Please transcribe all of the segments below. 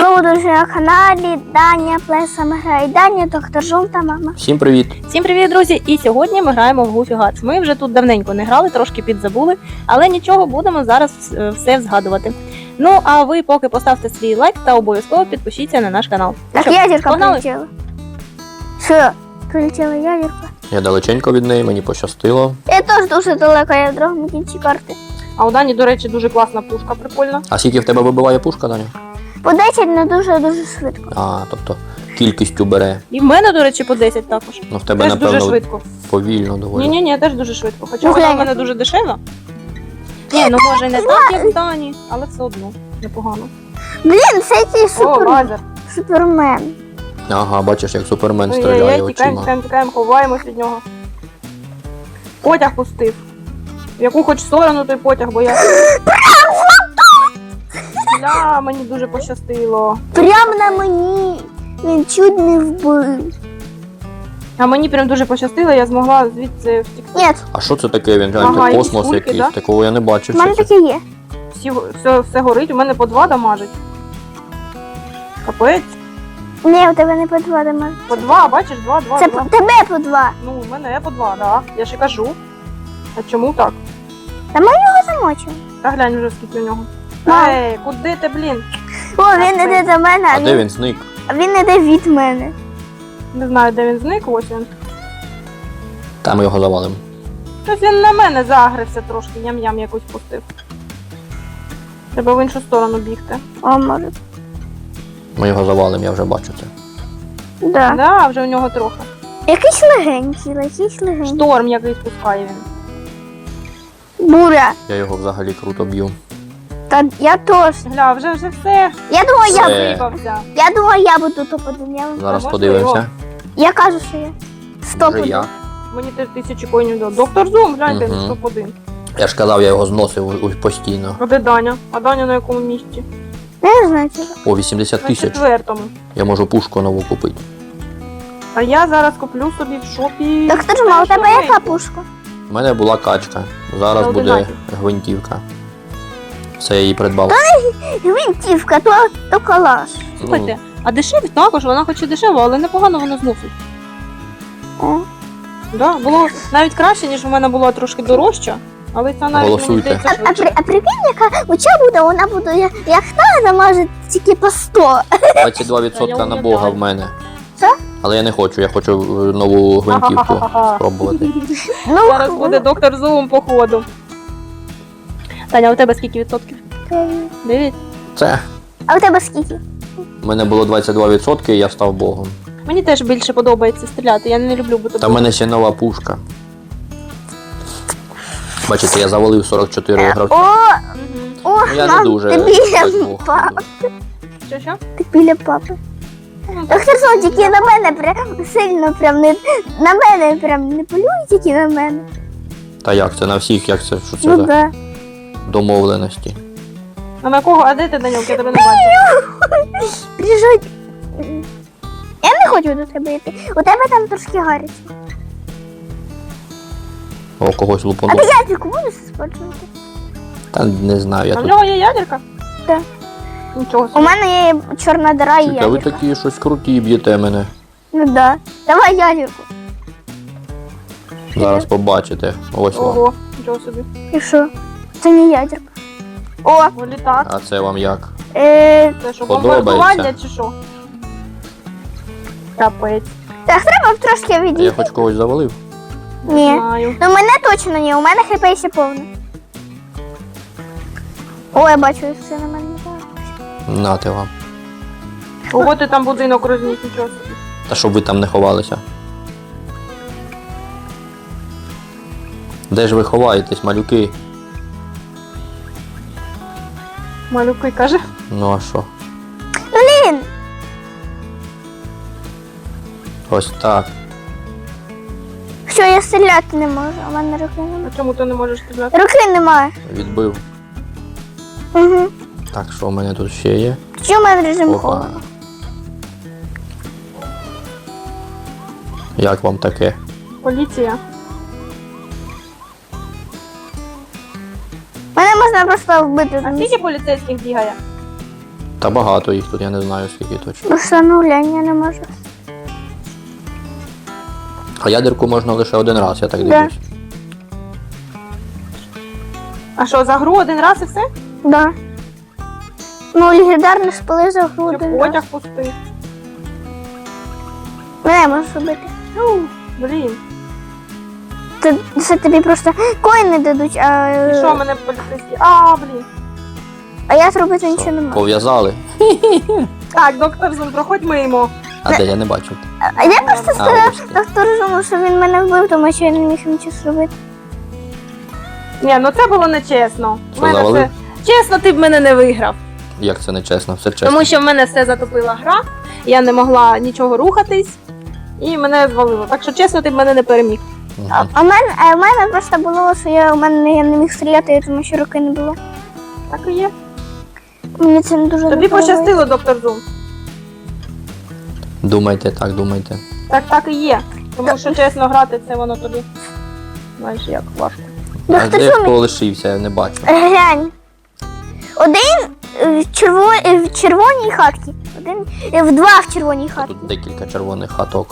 Знову друзі на каналі Даня Плесами грає Даня, доктор Зум та мама. Всім привіт! Всім привіт, друзі! І сьогодні ми граємо в Goofy Gats. Ми вже тут давненько не грали, трошки підзабули, але нічого, будемо зараз все згадувати. Ну, а ви поки поставте свій лайк та обов'язково підпишіться на наш канал. Так, Що, ядерка погнали? прилетіла. Що? Прилетіла ядерка? Я далеченько від неї, мені пощастило. Я теж дуже далеко, я в другому кінці карти. А у Дані, до речі, дуже класна пушка, прикольна. А скільки в тебе вибиває пушка, Даня? По 10, але дуже-дуже швидко. А, тобто кількістю бере. І в мене, до речі, по 10 також. Ну в тебе, Теж дуже напевно, швидко. повільно доволі. Ні, теж дуже швидко. Хоча Ну, вона в глянь. мене дуже дешева. Ні, ну може не так, як в Дані, але все одно непогано. Блін, це який О, лазер. супермен. Ага, бачиш, як супермен стріляє Ой-ой-ой, очима. тікаємо, ховаємось від нього. Потяг пустив. В яку хоч сторону той потяг, бо я... Бля, мені дуже пощастило. Прямо на мені. Він чуть не вбив. А мені прям дуже пощастило, я змогла звідси втікти. Ні, А що це таке? Він гляньте, Ага, якісь космос кульки, якийсь. да? Такого я не бачив. в мене Що це? таке є. Все горить, у мене по 2 дамажить. Капець. Ні, у тебе не по 2 дома. По 2, бачиш, 2. Це тебе по 2. Ну, у мене по 2, да. Я ж і кажу. А чому так? Замочив. Та глянь вже скільки у нього. Мам. Ей, куди ти, блін? О, він іде до мене, А де він зник? а він іде від мене. Не знаю, де він зник, ось він. Там його завалимо. Щось він на мене загрився трошки, ням-ям якусь пустив. Треба в іншу сторону бігти. О, може. Ми його завалимо, я вже бачу це. Да. Да, вже у нього трохи. Якийсь легенький. Шторм якийсь пускає він. Буря. Я його взагалі круто б'ю. Та я теж. Гля, вже все. Я думаю, Все. Випався. я думаю, я буду топ-1. Зараз можна подивимося. Я кажу, що я. Може Стоп. я. Мені 1000 коїнів дав. Доктор Зум, гляньте, Мгм. топ-1. Я ж казав, я його зносив постійно. А де Даня? А Даня на якому місці? Не знаю чого. О, 80 На тисяч. 4-му. Я можу пушку нову купити. А я зараз куплю собі в шопі. Доктор Жума, у тебе яка пушка? У мене була качка. Зараз Це буде 11. гвинтівка. Це я її придбав. Гвинтівка, то калаш. Слухайте, а дешеві також, вона хоч і дешева, але непогано вона зносить. О. Да, було навіть краще, ніж у мене була трошки дорожча, але це навіть мені Голосуйте. здається швидше. А прикинь, яка оця буде, вона буде як та замажить тільки по 100. 22% на Бога в мене. Що? Але я не хочу, я хочу нову гвинтівку Ха-ха-ха-ха. спробувати. Ну, Зараз буде доктор Зум по ходу. Таня, у тебе скільки відсотків? 9. Це. А у тебе скільки? У мене було 22%, і я став Богом. Мені теж більше подобається стріляти, я не люблю бути Та в мене ще нова пушка. Бачите, я завалив 44 гравців. О, Ну, я не мам, дуже ти біля так Бог. папи. Що? Ти біля папи. Доктор Сон, тільки на мене прям сильно прям не на мене прям не полюй, тільки на мене. Та як це на всіх, як це, що це Ну за да. домовленості? А на кого? А де ти, Данюк? Я тебе не бачу. Біжуть. Я не хочу до тебе йти. У тебе там трошки гаряче. О, когось А лупанув. ти ядерку будеш спочувати? Та не знаю, я А в тут. нього є ядерка? Так. Нічого У собі. мене є чорна дира і Чуйте, ви ядерка. такі щось круті б'єте мене. Ну да. Давай ядерку. Зараз побачите. Ось вам. Ого, нічого собі. І що? Це не ядерка. О, О, літак. А це вам як? Це що, Подобається. бомбардування чи що? Капець. так треба трошки Я відійти. хоч когось завалив. Ні. Не знаю. Ну мене точно ні, у мене хп ще повне. О, я бачу, все на мене. Нате вам. Ого, ти там будинок розніс, нічого собі. Та щоб ви там не ховалися. Де ж ви ховаєтесь, малюки? Малюки, каже. Ну а що? Блін! Ось так. Що я стріляти не можу, у мене руки немає. А чому ти не можеш стріляти? Руки немає. Відбив. Угу. Так, що в мене тут ще є? Чому у мене режим Опа. холоду? Як вам таке? Поліція. Мене можна просто вбити. А скільки поліцейських бігає? Та багато їх тут, я не знаю скільки точно. Просто ну глянь, я не можу. А ядерку можна лише один раз, я так Да. дивлюсь. А що, за гру один раз і все? Да. Ну, легендарний спали за Чи груди. потяг пустий? Не можеш робити. Ну, блін. Це тобі просто коїни дадуть, І що мене поліцейські? А, блін. а я зробити нічого не можу. Пов'язали. Так, доктор Зум, проходь мимо. А де я не бачив? А я просто А, сказав ось ти. доктору Зуму, що він мене вбив, тому що я не міг нічого зробити. Ні, ну це було нечесно. Що, В мене завалив? все... Чесно, ти б мене не виграв. Як це не чесно? Все чесно. Тому що в мене все затопила гра, я не могла нічого рухатись, і мене звалило. Так що чесно, ти б мене не переміг. Мгм. А в мене просто було, що я не міг стріляти, тому що руки не було. Так і є. Мені це не дуже Тобі не подобається. пощастило, доктор Зум. Думайте так, думайте. Так і є. Тому що чесно грати, це воно тобі. Знаєш, як важко. А Доктор де Зум, хто лишився, я не бачу. глянь. Один в червоній хатці, один в два в червоній хатці. Тут декілька червоних хаток.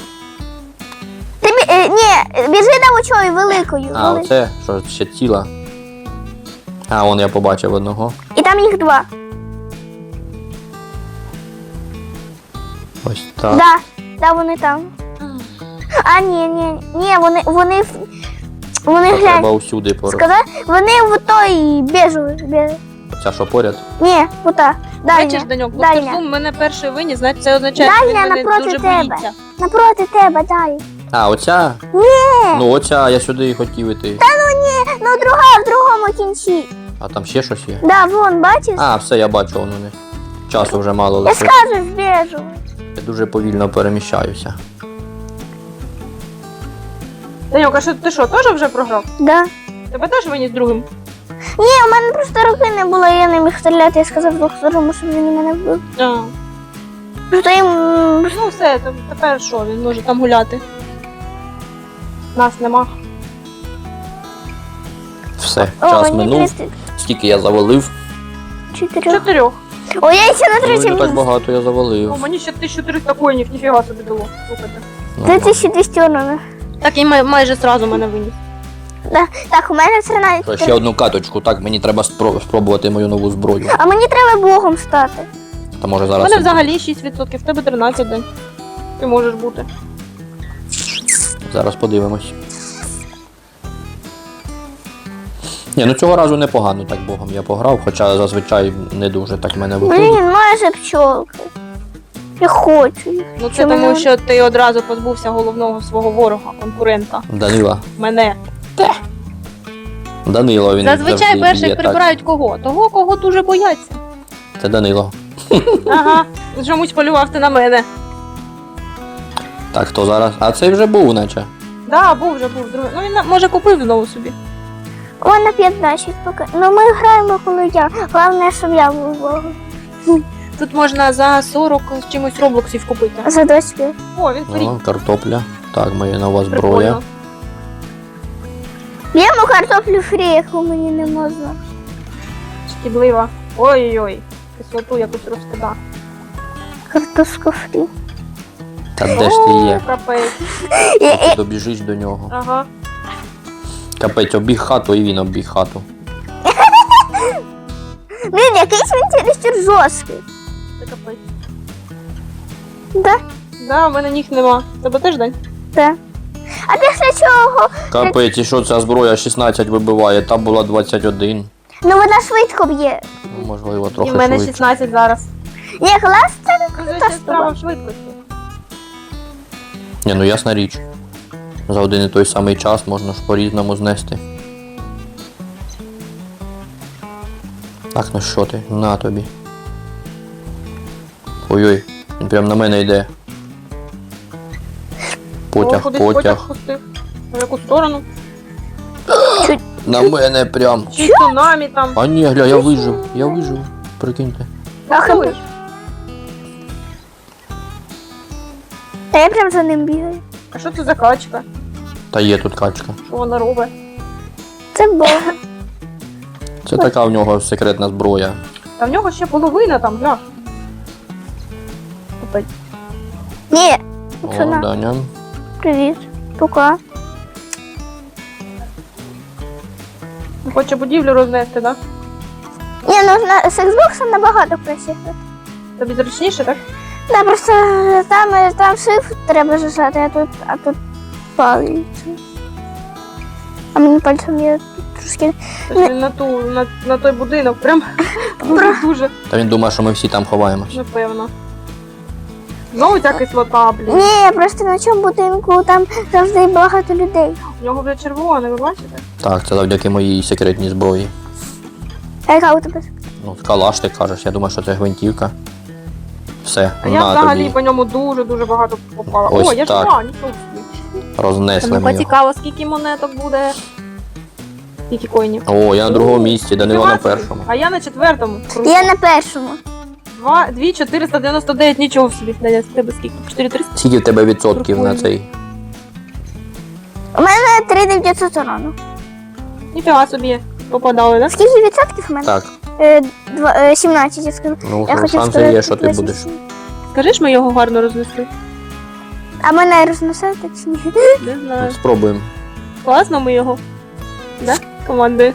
Ні, біжи до очої великою. А, оце, що ще ціла. А, вон я побачив одного. І там їх два. Ось так. Да, вони там. А, ні, вони То глянь. треба усюди поруч. Сказав, вони в той біжу. Ця що поряд? Ні, ота. Бачиш, Дальня. Даньок, доктор Дальня. Зум мене перший виніс, значить це означає, що він Дальня мене напроти дуже тебе. боїться. Напроти тебе, далі. А, оця? Ні, Ну оця, я сюди і хотів іти. ну друга в другому кінці. А там ще щось є? Да, вон, бачиш? А, все, я бачу, воно не. Часу вже мало Я лишилось. скажу, біжу. Я дуже повільно переміщаюся. Даньок, а що ти що, теж вже програв? Да. Тебе теж виніс другим? Ні, у мене просто руки не було, я не міг стріляти, я сказав доктору, щоб він мене вбив. А. Просто їм Ну все, тепер що, він може там гуляти. Нас нема. Все, О, час мені минув. 34. Скільки я завалив? 4. О, я ще на Ну, не третьому так місці. багато я О, завалив. мені ще 1300 коїнів, ніфіга собі дало. Слухайте. Ну, 3200 урона. Так і майже зразу мене виніс. Да. Так, у мене 13. що, ще одну каточку, так, мені треба спробувати мою нову зброю. А мені треба богом стати. Та може У зараз. мене і взагалі 6%, в тебе 13 день. Ти можеш бути. Зараз подивимось. Ні, ну цього разу непогано так богом я пограв, хоча зазвичай не дуже так в мене виходить. Блін, майже пчолки. Я хочу їх. Ну це Чому? тому, що ти одразу позбувся головного свого ворога, конкурента. Данила. Мене. Данило, він Зазвичай завжди перших б'є так. прибирають кого? Того, кого дуже бояться. Це Данило. Ага, чомусь полював ти на мене. Так, хто зараз? А цей вже був, наче. Да, був другий. Ну він може купив знову собі. У мене 15 поки. Ну ми граємо, коли я. Головне, щоб я був богом. Тут можна за 40 з чимось роблоксів купити. За 25. О, він фрі. О, картопля. Так, моя нова зброя. Прикольно. Б'ємо картоплю фрі, яку мені не можна. Шкідлива. Ой-ой-ой. Кислоту якусь розкида. Картошку фрі. Та де ж ти є? Капець. Ти добіжиш до нього. Ага. Капець, обіг хату і він обіг хату. Блін, якийсь він чересчур жорсткий. Це капець. Да? Да, в мене ніг нема. Тебе теж день? Да. А після чого? Капець, і що ця зброя 16 вибиває, там була 21. Ну вона швидко б'є. Ну, можливо, І трохи в мене швидше. 16 зараз. Ні, клас це Ну, це ще справа в швидкості. Ні, ну ясна річ. За один і той самий час можна ж по-різному знести. Так, ну що ти? На тобі. Ой-ой, він прям на мене йде. О, Потяг, кудись потяг. пустив. В яку сторону? На мене прям. Чи цунамі там. А ні, гля, я вижив, прикиньте. Ах, Рахуєш? Та я прям за ним бігаю. А що це за качка? Та є тут качка. Що вона робить? Це бог. Це така в нього секретна зброя. Та в нього ще половина там, гля. Капець. Ні, О, пацана, Даня. привіт. Пока. Хоче будівлю рознести, так? Ні, ну з Xbox набагато краще. Тобі зручніше, так? Да, просто там shift треба зажати, а тут палець. А мені пальцем я трошки. Тобто він на той будинок прям дуже-дуже, Та він думає, що ми всі там ховаємось. напевно. Знову ця кислота, блін. Ні, просто на цьому будинку там завжди багато людей. У нього вже червоне, ви бачите? Так, це завдяки моїй секретній зброї. А яка у тебе? Ну, калаш, ти кажеш, я думаю, що це гвинтівка. Все, А я на взагалі тобі. по ньому дуже-дуже багато попала. Ось О, я так. жива, нічого собі. Рознесли Ну, ми його. цікаво, скільки монеток буде. Скільки коїнів. О, я на другому місці, Данило на першому. А я на 4-му. Круто. Я на першому. 2,499, нічого собі. Даня, з тебе скільки? 4,300? Скільки в тебе відсотків на Прикольно. цей? У мене 3900 урону. Ніфіга собі попадали, так? Скільки відсотків у мене? Так, 17, я скажу. ну Я хотів шанси сказати, є, що ти 27. будеш. Скажи ж, ми його гарно рознесли. А мене розносити чи ні? Не Ну, знаю. спробуємо. Класно ми його. Да? Командою.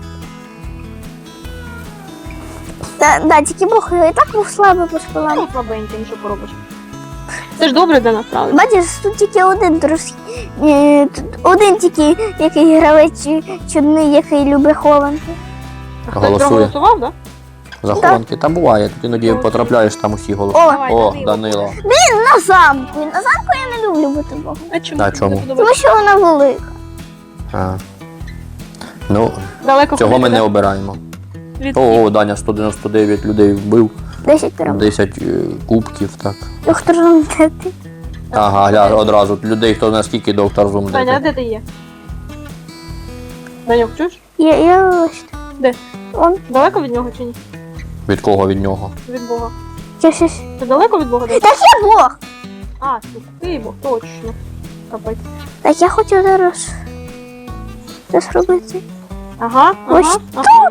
Да, тільки Бог і так був слабий по шпалам. Ну, слабенький, нічого поробиш. Це ж добре для нас, правда? Бачиш, тут тільки один тут один тільки який гравець чудний, який любить хованки. А хтось Голосує. проголосував, так? Захованки там буває, тут іноді потрапляєш, там усі голоси. О, Давай, О, Данило. Данило. на замку. На замку я не люблю бути Богом. А чому? А чому? Не подобається? Тому що вона велика. А. Ну, Далеко цього ми ходити, не да? обираємо. Від- О, Даня 199 людей вбив, 10 перемог. 10 кубків, так. Доктор Зонтети. Ага, одразу. Людей, хто наскільки доктор Зум Даня, а де. де ти є? Даньок, чуєш? Я ось. Де? Он. Далеко від нього чи ні? Від кого від нього? Від Бога. Щось. Ти далеко від Бога? Даня? Так я Бог. А, ти Бог, точно. Капець. Так я хочу зараз це зробити. Ага, Ось ага.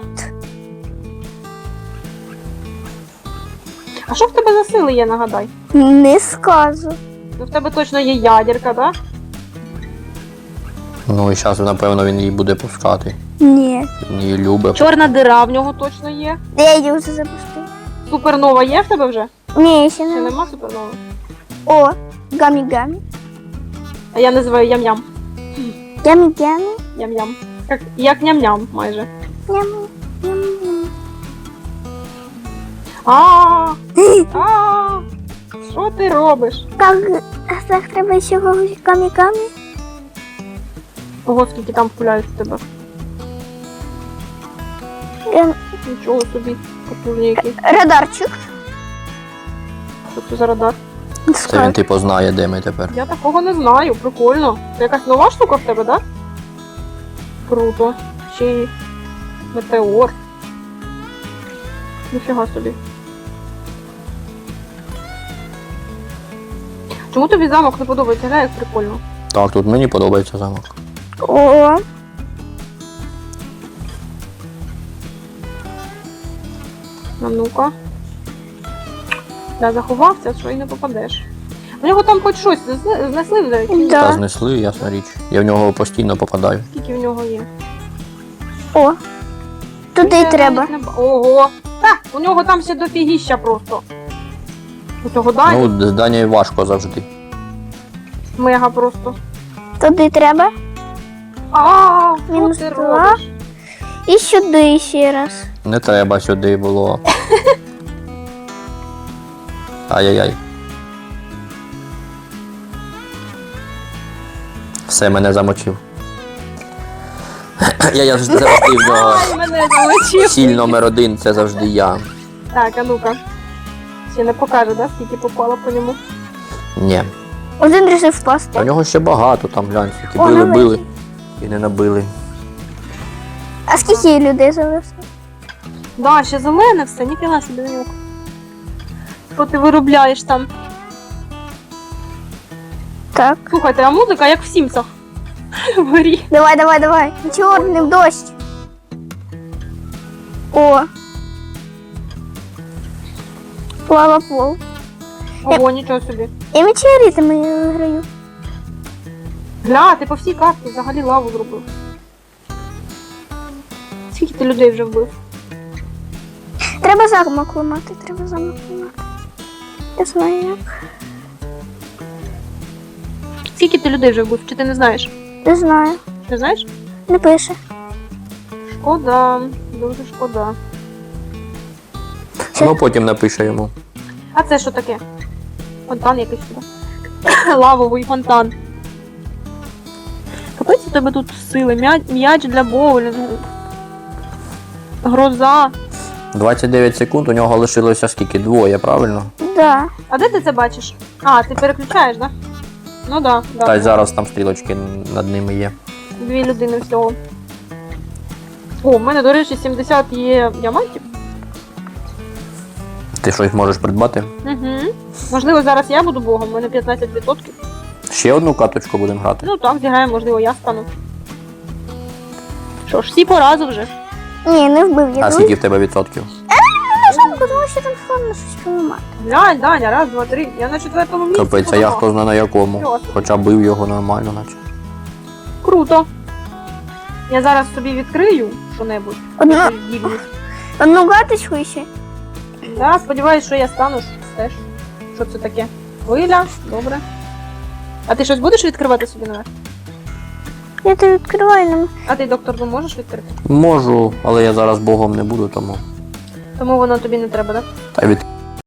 А що в тебе за сили є, нагадай? Не скажу. Ну в тебе точно є ядерка, так? Ну і зараз, напевно, він її буде пускати. Ні. Він її любить. Чорна дира в нього точно є. Я її вже запустив. Супернова є в тебе вже? Ні, ще Чи не. нема супернови? О, гамі-гамі. А я називаю ям-ям. Гамі-гамі. Ям-ям. Як ням-ням майже. Ням-ням. А. Що ти робиш? Так треба ще когось гамі-гамі. Ого, скільки там пуляють в тебе. Нічого собі, потужні які. Радарчик. Що це за радар? Це він типу знає, де ми тепер. Я такого не знаю, прикольно. Це якась нова штука в тебе, так? Круто. Ще й метеор. Ніфіга собі. Чому тобі замок не подобається? Гля, як прикольно. Так, тут мені подобається замок. О, А ну-ка. Я заховався, що і не попадеш. У нього там хоч щось знесли вже? Чи ні? Да. Та знесли, ясна річ. Я в нього постійно попадаю. Скільки в нього є? о. Туди Я треба. навіть не Ого! Та, у нього там ще дофігіща просто. У цього Дані Ну, з Данією важко завжди. мега просто. Туди треба. А, що Мінус ти 2. робиш? І сюди ще раз. Не треба сюди було. Ай-яй-яй. Все, мене замочив. Я завжди в нього. Ай, мене залучив. Ціль номер 1 це завжди я. Так, а ну-ка. Ще не покаже, да, скільки попало по ньому. Ні. Один рішив А в впасти. нього ще багато там, глянь, скільки О, били, ну, били і не набили. А скільки людей залишилось? Да, ще зелене все, ніфіга собі на нього. Що ти виробляєш там? Так. Слухайте, а музика як в Сімсах. Горі. Давай. Чорним дощ. О. Лава пол. Ого, нічого собі. Я метеоритами граю. Гля, ти по всій карті взагалі лаву зробив. Скільки ти людей вже вбив? Треба замок ламати, треба замок ламати. Я знаю як. Скільки ти людей вже вбив? Чи ти не знаєш? Не знаю. Не знаєш? Не пише. Шкода, дуже шкода. Ну потім напише йому. А це що таке? Фонтан якийсь сюди. Лавовий фонтан. Капець у тебе тут сили. М'яч для боулінгу. Гроза. 29 секунд, у нього лишилося скільки? Двоє, правильно? Да. А де ти це бачиш? А, ти переключаєш, так? Да? Ну да. Та й зараз там стрілочки над ними є. 2 людини всього. О, в мене, до речі, 70 є діамантів. Ти щось можеш придбати? Угу. Можливо, зараз я буду богом, у мене 15%. Ще одну каточку будемо грати. Ну так, зіграємо, можливо, я стану. Що ж, всі по разу вже. Ні, не вбив я. А скільки в тебе відсотків? Замку, тому що там складно щось поламати. Глянь, Даня, раз, два, три. Я на 4-му місці. Капець, а я хто знає на якому. Чого? Хоча бив його нормально, наче. Круто. Я зараз собі відкрию що-небудь. Одну, Якусь здібність. одну каточку ще. Да, сподіваюсь, що я стану теж. Що це таке? Хвиля, добре. А ти щось будеш відкривати собі наверх? Я то відкриваю нам. А ти, доктор, ну можеш відкрити? Можу, але я зараз богом не буду, тому. Тому воно тобі не треба, так? Та й від